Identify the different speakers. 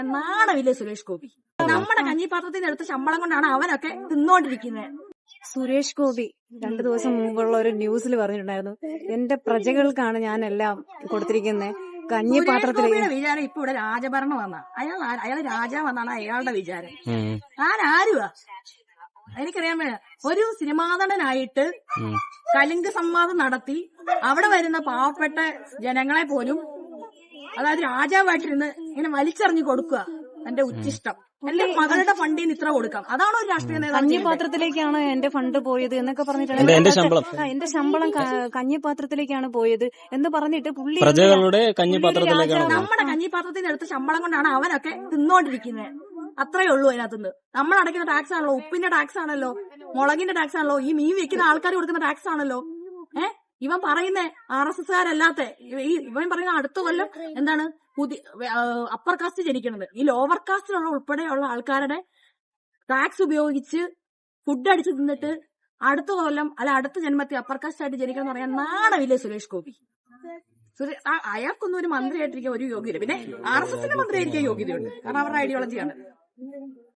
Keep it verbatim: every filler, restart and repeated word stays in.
Speaker 1: നാണമില്ലേ സുരേഷ് ഗോപി? നമ്മുടെ കഞ്ഞിപ്പാത്രത്തിൽ എടുത്ത ശമ്പളം കൊണ്ടാണ് അവനൊക്കെ തിന്നോണ്ടിരിക്കുന്നത്.
Speaker 2: സുരേഷ് ഗോപി രണ്ടു ദിവസം മുമ്പുള്ള ഒരു ന്യൂസിൽ പറഞ്ഞിട്ടുണ്ടായിരുന്നു, എന്റെ പ്രജകൾക്കാണ് ഞാൻ എല്ലാം കൊടുത്തിരിക്കുന്നത് കഞ്ഞിപ്പാത്രത്തിൽ.
Speaker 1: സുരേഷ് ഗോപിയുടെ വിചാരം ഇപ്പൊ ഇവിടെ രാജഭരണം വന്ന അയാൾ അയാള് രാജാവെന്നാണ് അയാളുടെ വിചാരം. ഞാൻ ആരുവാ എനിക്കറിയാൻ വേണ്ട. ഒരു സിനിമാ നടനായിട്ട് കലിംഗ സംവാദം നടത്തി അവിടെ വരുന്ന പാവപ്പെട്ട ജനങ്ങളെ പോലും, അതായത് രാജാവായിട്ടിരുന്ന് ഇങ്ങനെ വലിച്ചെറിഞ്ഞു കൊടുക്കുക എന്റെ ഉച്ചിഷ്ടം. എന്റെ മകളുടെ ഫണ്ടിൽ നിന്ന് ഇത്ര കൊടുക്കാം. അതാണോ ഒരു രാഷ്ട്രീയ നേതാവ്?
Speaker 2: കഞ്ഞിപ്പാത്രത്തിലേക്കാണ് എന്റെ ഫണ്ട് പോയത് എന്നൊക്കെ പറഞ്ഞിട്ടാണ്
Speaker 3: എന്റെ ശമ്പളം
Speaker 2: എന്റെ ശമ്പളം കഞ്ഞിപ്പാത്രത്തിലേക്കാണ് പോയത് എന്ന് പറഞ്ഞിട്ട് പുള്ളി
Speaker 3: പ്രജകളുടെ കഞ്ഞിപ്പാത്രത്തിലേക്കാണ്.
Speaker 1: നമ്മുടെ കഞ്ഞിപ്പാത്രത്തിൽ നിന്ന് എടുത്ത ശമ്പളം കൊണ്ടാണ് അവനൊക്കെ തിന്നോണ്ടിരിക്കുന്നത്. അത്രേ ഉള്ളൂ അതിനകത്തുനിന്ന്. നമ്മൾ അടയ്ക്കുന്ന ടാക്സ് ആണല്ലോ, ഉപ്പിന്റെ ടാക്സ് ആണല്ലോ, മുളകിന്റെ ടാക്സ് ആണല്ലോ, ഈ മീൻ വെക്കുന്ന ആൾക്കാർ കൊടുക്കുന്ന ടാക്സ് ആണല്ലോ. ഏഹ് ഇവൻ പറയുന്നേ ആർ എസ് എസ് കാരല്ലാത്ത ഈ ഇവൻ പറയുന്ന അടുത്ത കൊല്ലം എന്താണ് പുതിയ അപ്പർ കാസ്റ്റ് ജനിക്കുന്നത്. ഈ ലോവർ കാസ്റ്റിലുള്ള ഉൾപ്പെടെയുള്ള ആൾക്കാരുടെ ടാക്സ് ഉപയോഗിച്ച് ഫുഡ് അടിച്ച് തിന്നിട്ട് അടുത്ത കൊല്ലം അല്ല അടുത്ത ജന്മത്തിൽ അപ്പർ കാസ്റ്റ് ആയിട്ട് ജനിക്കണം എന്ന് പറയാൻ നാണമില്ലേ സുരേഷ് ഗോപി? അയാൾക്കൊന്നും ഒരു മന്ത്രിയായിട്ടിരിക്കാൻ ഒരു യോഗ്യത. പിന്നെ ആർ എസ് എസിന്റെ മന്ത്രിയായിരിക്കാൻ യോഗ്യതയുണ്ട്, കാരണം അവരുടെ ഐഡിയോളജിയാണ്.